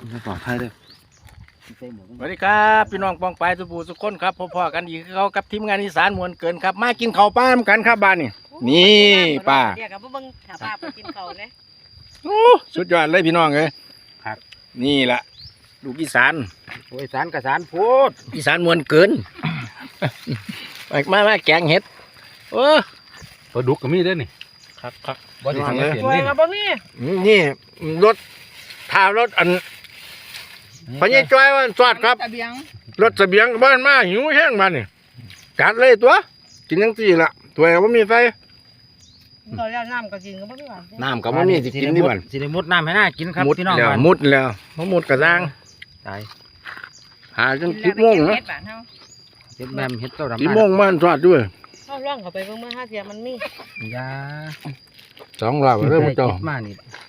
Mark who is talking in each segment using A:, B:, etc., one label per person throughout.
A: ปลอดภัยเลย
B: สวัสดีครับพี่น้องปองปลายสุภูสุขคนครับพ่อๆกันอีกเขากับทีมงานอีสานมวลเกินครับมากินข้าวป้ามกันครับบ้านนี่ป้า
C: เดี๋ยวกับเบิ่งถ้าป้าไปกินเขาเลย
B: โอ้สุดยอดเลยพี่น้องเลยครับนี่แหละลูกอีสาน
A: โอ้ยสารกับสารพูด
B: อีสานมวลเกิน มาแกงเห็ดโอ้
A: ปลาดุกก็มีด้วยนี่
B: ครับ
A: บ่ได้ทำเสียง
C: สวย
A: นี่
C: กับบ่มี
B: นี่รถทารถอันพญายจ้อยวันสวัสดครับ
C: ตะเบียง
B: รถเสบียงบ้านมาหิวแห้งมานี่จัดเลยตัวกินยังสี่ละตัวว่ามีไฟ
C: เขาจะน้ำก็กินก็บ่มีหวาน
B: น้ำกับว่ามีสิกินที่บ้าน
A: สิได้มุดน้ำให้น่ากินครับ
B: มุด
A: พี่น้อง
B: แล้ว
A: บ้าน
B: มุดแล้วมุดกระด้าง
A: ตาย
B: หาจนสิบโมงนะ
C: เฮ็ดบ้านเฮา
A: เฮ็ดแมมเฮ็ดเต้าดำ
B: สิบโมงบ้านสวัสดด้วย
C: เฮาล่องเข้าไปเบิ่งเมื่อ5เที่ยมันมี
A: ยา
B: 2 รอบเริ่มเจ้า
A: ฮ็ดมานี่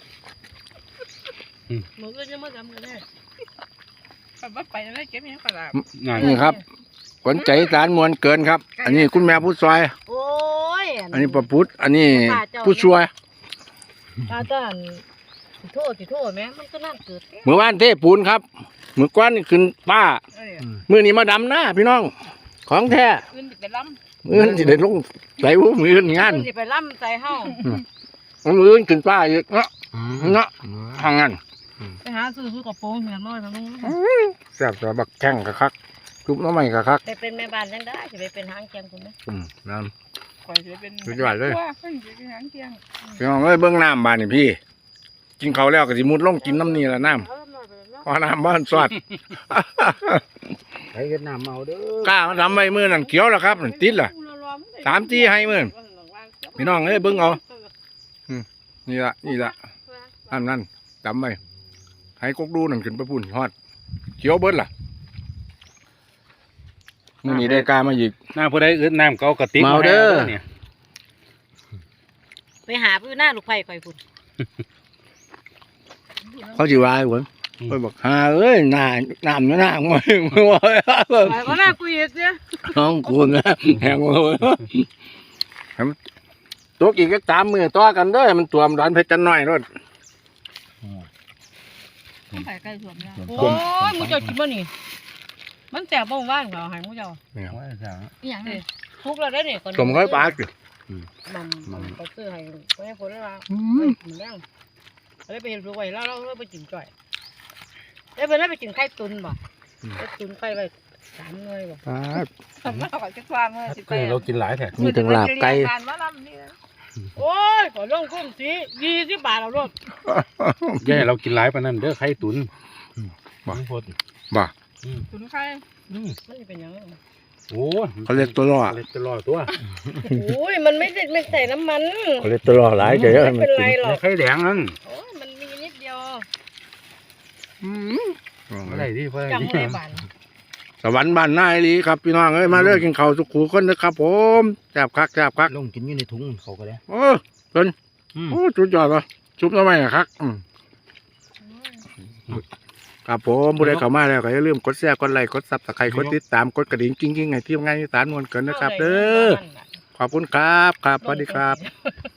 C: มื้ออื่นจะมาทำกันแน่ไปไปแล้วเก็บยังปลา
B: นี่ครับขวัญใจสารมวลเกินครับ อันนี้คุณแม่ผู้ซอย
C: โอ้ย
B: อันนี้ประพุทธอันนี้ผู้ช่วย
C: ตาจ้านสิโทษแม่มันก็น่าเกิด
B: เมื่อวานเทปูนครับเมื่อก้อนนี่ขึ้นป้ามือนี้มาดำหน้าพี่น้อง ของแท้
C: ขึ้นสิไปล้ำ
B: มือนี้ได้ลงใส่หูมืองาน
C: ขึ้นสิไปล้ำใส่เฮา
B: มือขึ้นป้าอีกเนาะเนาะทางนั้น
C: ไปหาซื้อกระโปรงเหียนน้อยทางนู้น
B: แซ่บแต่บักแข้งกะคักจุบน้ำใหม่กะคัก
C: ไปเป็นแม่บ้านจังได้สิไปเป็นหางแกงคุณแม่
B: น้
C: ข่อยสิไปเป็น
B: สุดยอดเลย
C: ว่าข่อยสิไปเป็นหางแกง
B: ำพี่น้องเอ้ยเบิ้งน้ำบ้านนี่พี่ กินเขาวแล้วก็สิมุดลงกินน้ำนี่ละน้ำพอน้ำบ้านสวัสด
A: ไปเฮ็ดน้ำเอาเด้อก
B: ล้ามาทำไว้มือนั่นเขียวแล้วครับนั่นติดล่ะ 3 จี้ให้มื้อ พี่น้องเอ้ยเบิ่งเอา นี่ละนั่นจำไว้ให้กกดูนั่นขึ้นไปพุ่นฮอดเขียวเบิดล่ะมื้อนี้ได้กล้ามาอีก
A: น้ำผู้ใดอึดน้ำเก่ากระติก
B: เมาเด้อ
A: เนี่ย
C: ไปหาพื้นหน้าลูกไผ่ข่อยพุ่น
B: เขาสิว่าให้ผมเพิ่นบอกหาเอ้ยน้ำอยู่หน้ามึงบ่ว่า
C: ข่อยก็น่าคุยอีกเนี่ย
B: น้องกูนะแหงบ่ตัวกี่ก็3 มื้อต่อกันเด้อมันตัวมดอนเพชรจันน้อยรถ
C: ไผ่ใกล้สวนแล้วโอ้ยมึงเจ้ากินบ่นี่มันแสบบ่ว่างเหรอให้มึงเจ้า
A: ว่าจะ
C: อีหยังนี่ทุกแล้วได้นี่ก่อน
B: สมค่อยปากอยู่
C: มันก็ซื้อให้ไว้คนละว่ามันแรงแล้วไปเห็นลูกไว้แล้วเราไปกินจ่อยแล้วเพิ่นไปกินไข่ตุนบ่ไข่ตุนไข่ไว้3หน่วยบ่
B: ปาก
C: มาขอจักความเมื่อสิไป
A: คือเรากินหลายแท้
B: มีถึงลาบไก่
C: โอ้ยขอลงคุ้มสิ20 บาทเอาโลด
A: แย่เรากินหลายปานนั้นเด้อไข่ตุ๋น
B: บ่
A: พด
B: บ่
C: ตุนไข่มันสิเป็นหยัง
A: โอ้
B: เขาเรียกตัวล่อ
A: เล็ดตลอดตัว
C: โอ้ยมันไม่ได้ไม่ใส่น้ำมัน
B: เขาเรียกตัวล่อหลายเฉยๆ
C: ไม่
B: มัน
C: เป็นไร
B: กิน
C: หรอก
A: ไข่แดงนั่น
C: โอ้ยมันมีนิดเดียว
A: อะไรที่เพื่อน
C: จำไม่ได้บาน
B: สวรรค์บ้านนายลีครับพี่น้องเอ้ยมาเลิกกินข้าวสุขูคนนะครับผมแซ่บคักแซ่บคัก
A: ลงกินอยู่ในถุงเขาก็ได้
B: โอ้เพิ่นโอ้สุดยอดว่ะชุบทำไมอะครับครับผมผู้ใดเข้ามาแล้วก็อย่าลืมกดแชร์กดไลค์กดซับสไครต์กดติดตามกดกระดิ่งกิ้งๆให้ทีมงานอีสานมวลเกินนะครับเด้อขอบคุณครับครับสวัสดีครับ